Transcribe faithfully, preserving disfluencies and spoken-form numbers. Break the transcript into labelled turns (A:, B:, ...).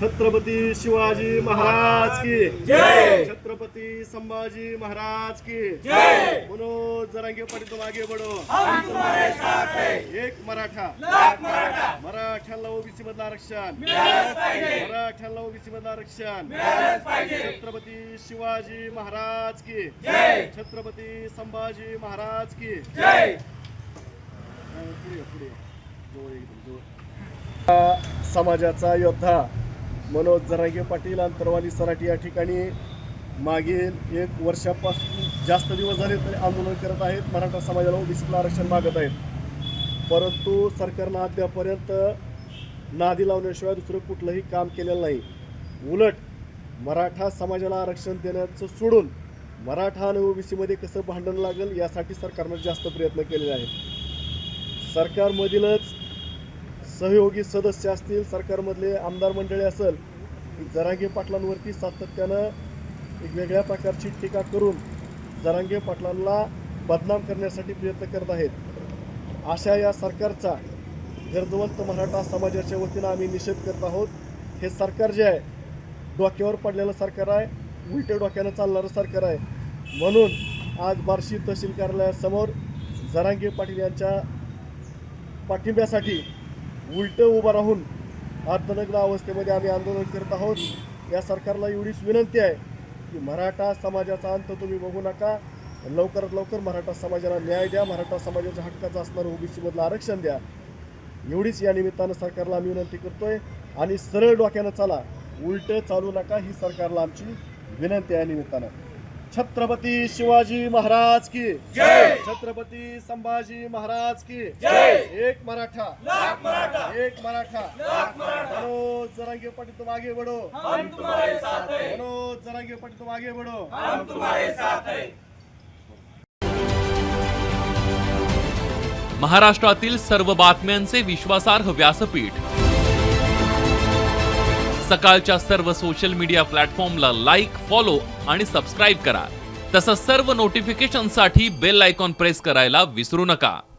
A: छत्रपति शिवाजी महाराज की
B: जय।
A: छत्रपति संभाजी महाराज की
B: जय।
A: मनोज जरांगे पाटील तुम आगे बढ़ो,
B: हम तुम्हारे साथ हैं।
A: एक मराठा
B: लाख मराठा
A: मराठ्याला ओबीसी मधलं आरक्षण,
B: मिळालंच पाहिजे,
A: मराठ्याला ओबीसी मधलं आरक्षण,
B: मिळालंच पाहिजे।
A: छत्रपति शिवाजी महाराज की
B: जय।
A: छत्रपति संभाजी महाराज की
B: जय।
A: पुढे या, पुढे या. जवळ एकदम जवळ. समाजाचा योद्धा मनोज जरांगे पाटील अंतरवाली सराटी या ठिकाणी मागील एक वर्षापासून जास्त दिवस झाले तरी आंदोलन करत आहेत. मराठा समाजाला ओबीसीला आरक्षण मागत आहेत, परंतु सरकारनं अद्यापर्यंत नादी लावण्याशिवाय दुसरं कुठलंही काम केलेलं नाही. उलट मराठा समाजाला आरक्षण देण्याचं सोडून मराठा आणि ओबीसीमध्ये कसं भांडण लागेल यासाठी सरकारनं जास्त प्रयत्न केलेले आहेत. सरकारमधीलच सहयोगी सदस्य असतील, सरकारमधले आमदार मंडळी असेल, जरांगे पाटलांवरती सातत्यानं एक वेगळ्या प्रकारची टीका करून जरांगे पाटलांना बदनाम करण्यासाठी प्रयत्न करत आहेत. अशा या सरकारचा गरजवंत मराठा समाजाच्या वतीनं आम्ही निषेध करत आहोत. हे सरकार जे आहे डोक्यावर पडलेलं सरकार आहे, उलट्या डोक्यानं चालणारं सरकार आहे. म्हणून आज बार्शी तहसील कार्यालयासमोर जरांगे पाटील यांच्या पाठिंब्यासाठी उलटं उभं राहून अर्धनग्न अवस्थेमध्ये आम्ही आंदोलन करत आहोत. या सरकारला एवढीच विनंती आहे की मराठा समाजाचा अंत तुम्ही बघू नका, लवकरात लवकर मराठा समाजाला न्याय द्या, मराठा समाजाच्या हक्काचं असणारं ओबीसीमधलं आरक्षण द्या. एवढीच या निमित्तानं सरकारला आम्ही विनंती करतोय. आणि सरळ डोक्यानं चाला, उलटं चालू नका, ही सरकारला आमची विनंती आहे. निमित्तानं छत्रपति शिवाजी महाराज की
B: जय।
A: छत्रपति संभाजी महाराज की
B: जय।
A: एक मराठा
B: लाख मराठा
A: एक मराठा
B: लाख मराठा
A: मनोज जरांगे पाटील तुम आगे बढ़ो,
B: हम तुम्हारे साथ हैं।
A: मनोज जरांगे पाटील तुम आगे बढ़ो,
B: हम तुम्हारे साथ हैं।
C: महाराष्ट्रातील सर्व बातम्यांचे विश्वासार्ह व्यासपीठ सकाळच्या सर्व सोशल मीडिया प्लॅटफॉर्मला लाईक, फॉलो आणि सबस्क्राईब करा. तसंच सर्व नोटिफिकेशनसाठी बेल आयकॉन प्रेस करायला विसरू नका.